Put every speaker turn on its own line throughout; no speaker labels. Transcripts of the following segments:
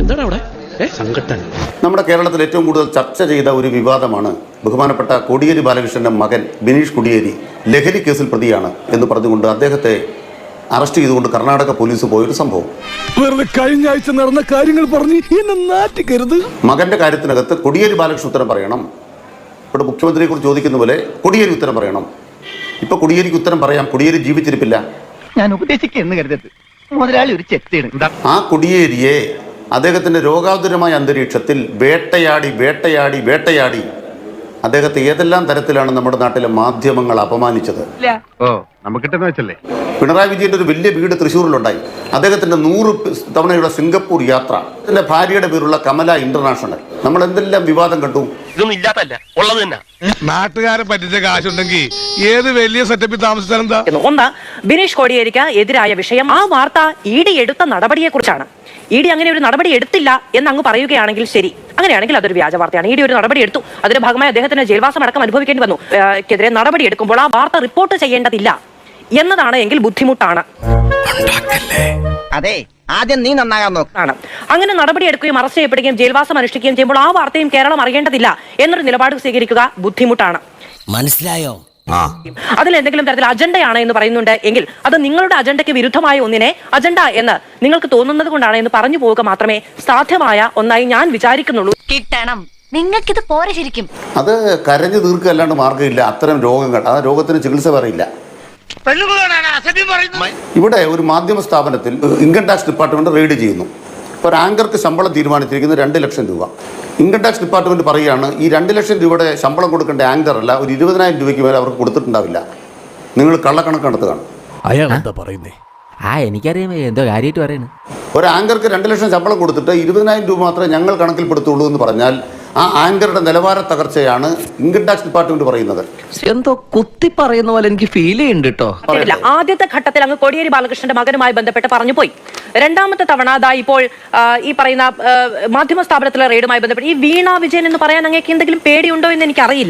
എന്താണ് അവിടെ സംഘട്ടൻ?
നമ്മുടെ കേരളത്തിൽ ഏറ്റവും കൂടുതൽ ചർച്ച ചെയ്ത ഒരു വിവാദമാണ് ബഹുമാനപ്പെട്ട കോടിയേരി ബാലകൃഷ്ണന്റെ മകൻ ബിനീഷ് കോടിയേരി ലഹരി കേസിൽ പ്രതിയാണ് എന്ന് പറഞ്ഞുകൊണ്ട് അദ്ദേഹത്തെ അറസ്റ്റ് ചെയ്തുകൊണ്ട് കർണാടക പോലീസ് പോയൊരു സംഭവം.
വെറുതെ കഴിഞ്ഞ ആഴ്ച നടന്ന കാര്യങ്ങൾ പറഞ്ഞ് എന്നെ നാറ്റിക്കരുത്.
മകന്റെ കാര്യത്തിനകത്ത് കോടിയേരി ബാലകൃഷ്ണൻ ഉത്തരം പറയണം. ഇവിടെ മുഖ്യമന്ത്രിയെ കുറിച്ച് ചോദിക്കുന്ന പോലെ കോടിയേരി ഉത്തരം പറയണം. ഇപ്പൊ കോടിയേരിക്ക് ഉത്തരം പറയാം. കോടിയേരി ജീവിച്ചിരിപ്പില്ല.
ഞാൻ ഉപദേശിക്കുന്നു കരുതരുത്, മുതലാളി ഒരു ചെത്തിയാണ്.
ആ കോടിയേരിയെ അദ്ദേഹത്തിന്റെ രോഗാതുരമായ അന്തരീക്ഷത്തിൽ വേട്ടയാടി അദ്ദേഹത്തെ ഏതെല്ലാം തരത്തിലാണ് നമ്മുടെ നാട്ടിലെ മാധ്യമങ്ങൾ അപമാനിച്ചത്. പിണറായി വിജയന്റെ ഒരു വലിയ വീട് തൃശ്ശൂരിലുണ്ടായി. അദ്ദേഹത്തിന്റെ 100 തവണയുള്ള സിംഗപ്പൂർ യാത്ര, അതിന്റെ ഭാര്യയുടെ പേരുള്ള കമല ഇന്റർനാഷണൽ. നമ്മൾ എന്തെല്ലാം വിവാദം കണ്ടു.
നാട്ടുകാരെ പറ്റിച്ച കാശുണ്ടെങ്കിൽ ഏത് വലിയ സെറ്റപ്പിൽ താമസിച്ചാലെന്താ?
ഒന്ന്, ബിനീഷ് കോടിയേരിക്ക് എതിരായ വിഷയം, ആ വാർത്ത ഇഡി എടുത്ത നടപടിയെ കുറിച്ചാണ്. ഇഡി അങ്ങനെ ഒരു നടപടി എടുത്തില്ല എന്ന് അങ്ങ് പറയുകയാണെങ്കിൽ ശരി, അങ്ങനെയാണെങ്കിൽ അതൊരു വ്യാജ വാർത്തയാണ്. ഇഡി ഒരു നടപടി എടുത്തു, അതിന്റെ ഭാഗമായി അദ്ദേഹത്തിന് ജയിൽവാസം അടക്കം അനുഭവിക്കേണ്ടി വന്നു. ക്കെതിരെ നടപടി എടുക്കുമ്പോൾ ആ വാർത്ത റിപ്പോർട്ട് ചെയ്യേണ്ടതില്ല എന്നതാണ് എങ്കിൽ ബുദ്ധിമുട്ടാണ്.
അതെ, ആദ്യം നീ നന്നാകാൻ നോക്കാണ്.
അങ്ങനെ നടപടി എടുക്കുകയും അറസ്റ്റ് ചെയ്യപ്പെടുകയും ജയിൽവാസം അനുഷ്ഠിക്കുകയും ചെയ്യുമ്പോൾ ആ വാർത്തയും കേരളം അറിയേണ്ടതില്ല എന്നൊരു നിലപാട് സ്വീകരിക്കുക ബുദ്ധിമുട്ടാണ്.
മനസ്സിലായോ?
അതിൽ എന്തെങ്കിലും തരത്തിൽ അജണ്ടയാണ് എന്ന് പറയുന്നുണ്ട് എങ്കിൽ അത് നിങ്ങളുടെ അജണ്ടയ്ക്ക് വിരുദ്ധമായ ഒന്നിനെ അജണ്ട എന്ന് നിങ്ങൾക്ക് തോന്നുന്നത് കൊണ്ടാണ് എന്ന് പറഞ്ഞു പോവുക മാത്രമേ സാധ്യമായ ഒന്നായി ഞാൻ വിചാരിക്കുന്നുള്ളൂ.
കിട്ടണം, നിങ്ങൾക്കിത് പോരെ ശരിക്കും.
അത് കരഞ്ഞു തീർക്കുക അല്ലാണ്ട് മാർഗ്ഗമില്ല. അത്തരം രോഗങ്ങൾ, ആ രോഗത്തിന് ചികിത്സ പറയില്ല. ഇവിടെ ഒരു മാധ്യമ സ്ഥാപനത്തിൽ ഇൻകം ടാക്സ് ഡിപ്പാർട്ട്മെന്റ് റെയ്ഡ് ചെയ്യുന്നു. ഇപ്പോൾ ഒരു ആങ്കർക്ക് ശമ്പളം തീരുമാനിച്ചിരിക്കുന്നത് 2 ലക്ഷം രൂപ. ഇൻകം ടാക്സ് ഡിപ്പാർട്ട്മെന്റ് പറയുകയാണ് ഈ 2 ലക്ഷം രൂപയുടെ ശമ്പളം കൊടുക്കേണ്ട ആങ്കർ അല്ല, ഒരു 20,000 രൂപയ്ക്ക് മേലെ അവർക്ക് കൊടുത്തിട്ടുണ്ടാവില്ല. നിങ്ങൾ കള്ളക്കണക്ക് നടത്തുകയാണ്.
അയാൾ എന്താ പറയുന്നേ?
എനിക്കറിയാം എന്തോ കാര്യമായിട്ട് പറയുന്നത്.
ഒരു ആങ്കർക്ക് 2 ലക്ഷം ശമ്പളം കൊടുത്തിട്ട് 20,000 രൂപ മാത്രമേ ഞങ്ങൾ കണക്കിൽപ്പെടുത്തുള്ളൂ എന്ന് പറഞ്ഞാൽ ആ ആങ്കറുടെ നിലവാര തകർച്ചയാണ് ഇൻകം ടാക്സ് ഡിപ്പാർട്ട്മെന്റ് പറയുന്നത്.
എന്തോ കുത്തി പറയുന്ന പോലെ എനിക്ക് ഫീൽ ചെയ്യുന്നുണ്ട് കേട്ടോ.
ആദ്യത്തെ ഘട്ടത്തിൽ അങ്ങ് കോടിയേരി ബാലകൃഷ്ണന്റെ മകനുമായി ബന്ധപ്പെട്ട് പറഞ്ഞു പോയി. രണ്ടാമത്തെ തവണ ഇപ്പോൾ ഈ പറയുന്ന മാധ്യമ സ്ഥാപനത്തിലെ റെയ്ഡുമായി ബന്ധപ്പെട്ട് ഈ വീണ വിജയൻ എന്ന് പറയാൻ അങ്ങേക്ക് എന്തെങ്കിലും പേടിയുണ്ടോ എന്ന് എനിക്കറിയില്ല.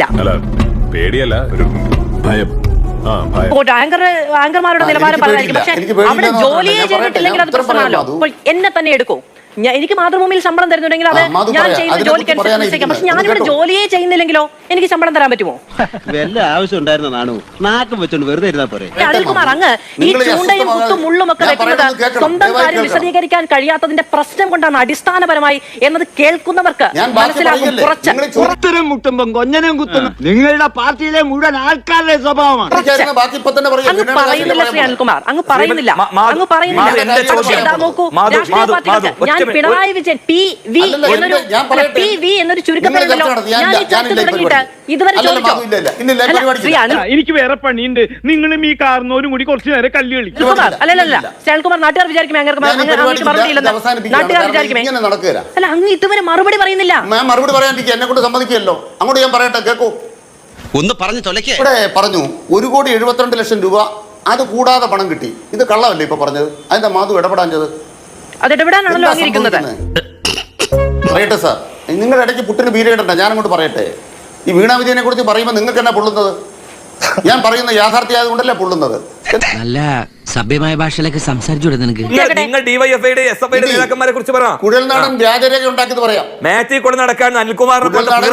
ആങ്കർമാരുടെ നിലവാരം പറയായിരിക്കും, പക്ഷെ അവിടെ ജോലിയെ ചെയ്തിട്ടില്ലെങ്കിൽ അത് പ്രശ്നമാണല്ലോ. അപ്പോൾ എന്നെ തന്നെ എടുക്കൂ, എനിക്ക് മാതൃഭൂമിയിൽ ശമ്പളം തരുന്നുണ്ടെങ്കിൽ അത് ഞാൻ ചെയ്യുന്ന ജോലിക്ക് അനുസരിച്ച്. പക്ഷെ ഞാനിവിടെ ജോലിയെ ചെയ്യുന്നില്ലെങ്കിലോ എനിക്ക് ശമ്പളം തരാൻ പറ്റുമോ?
വല്ല ആവശ്യം ഉണ്ടായിരുന്ന നാണു നാക്കം വെച്ചോണ്ട് വെറുതെ ഇരുന്നാ പോരെ.
അനിൽകുമാർ, അങ്ങ് ഈ ചൂണ്ടയും കുത്തും മുള്ളും ഒക്കെ വെക്കുന്നത് സ്വന്തം കാര്യം വിശദീകരിക്കാൻ കഴിയാത്തതിന്റെ പ്രശ്നം കൊണ്ടാണ് അടിസ്ഥാനപരമായി എന്നത് കേൾക്കുന്നവർക്ക് മനസ്സിലാകും.
കുറച്ച് മുട്ടുമ്പം കൊഞ്ഞനും കുത്തുന്നു നിങ്ങളുടെ പാർട്ടിയിലെ മുഴുവൻ ആൾക്കാരുടെ സ്വഭാവമാണ്.
അങ്ങ് പറയുന്നില്ല ശ്രീ അനിൽകുമാർ, അങ്ങ് പറയുന്നില്ല. നോക്കൂ, രാഷ്ട്രീയ പാർട്ടികൾക്ക് ഞാൻ പിണറായി വിജയൻ PV എന്നൊരു ചുരുക്കപ്പേരുണ്ടല്ലോ. ഞാൻ ഈ ചർച്ച തുടങ്ങിയിട്ട് ഇതുവരെ
എനിക്ക് വേറെ പണിയുണ്ട്. നിങ്ങളും ഈ കാർന്നോരും കൂടി കുറച്ചു നേരം കല്ല് കളിക്കും.
അല്ലല്ല ശ്രീകുമാർ, നാട്ടുകാർ വിചാരിക്കുമേ നാട്ടുകാർ വിചാരിക്കുമേ അല്ല, അങ്ങ് ഇതുവരെ മറുപടി പറയുന്നില്ല.
മറുപടി പറയാൻ എന്നെ കൊണ്ട് സമ്മതിക്കുകയല്ലോ. അങ്ങോട്ട് ഞാൻ പറയട്ടെ, കേൾക്കൂ.
ഒന്ന് പറഞ്ഞു തൊലക്കേ.
ഇവിടെ പറഞ്ഞു 1,72,00,000 രൂപ അത് കൂടാതെ പണം കിട്ടി. ഇത് കള്ളമല്ലേ ഇപ്പൊ പറഞ്ഞത്? അതിന്റെ മാധു ഇടപെടാഞ്ഞത്?
അതിടപെടാനാണല്ലോ ആഗ്രഹിക്കുന്നത്.
പറയട്ടെ സാർ, നിങ്ങളുടെ ഇടയ്ക്ക് പുട്ടിന് ബീരയിടണ്ട. ഞാനങ്ങോട്ട് പറയട്ടെ. ഈ വീണ വിജയനെ കുറിച്ച് പറയുമ്പോൾ നിങ്ങൾക്ക് എന്നാ പൊള്ളുന്നത്? ഞാൻ പറയുന്ന യാഥാർത്ഥ്യമായത് കൊണ്ടല്ലേ പൊള്ളുന്നത്.
നല്ല സഭ്യമായ ഭാഷയിലൊക്കെ സംസാരിച്ചു നിനക്ക്.
നിങ്ങൾ ഡിവൈഎഫ്ഐയുടെ എസ്എഫ്ഐയുടെ നേതാക്കന്മാരെ കുറിച്ച് പറ.
കുഴൽനാടൻ വ്യാജരേഖ ഉണ്ടാക്കിയത് പറയാം.
മാറ്റി കൊണ്ട് നടക്കാൻ അനിൽകുമാറിനെ കൊണ്ട് ഞാൻ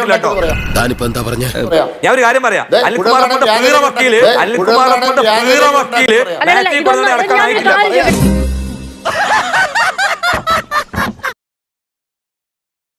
ഒരു കാര്യം പറയാം. അനിൽകുമാറിനെ കൊണ്ട് വക്കീല് മാറ്റി കൊണ്ട് നടക്കാനായിട്ടില്ല.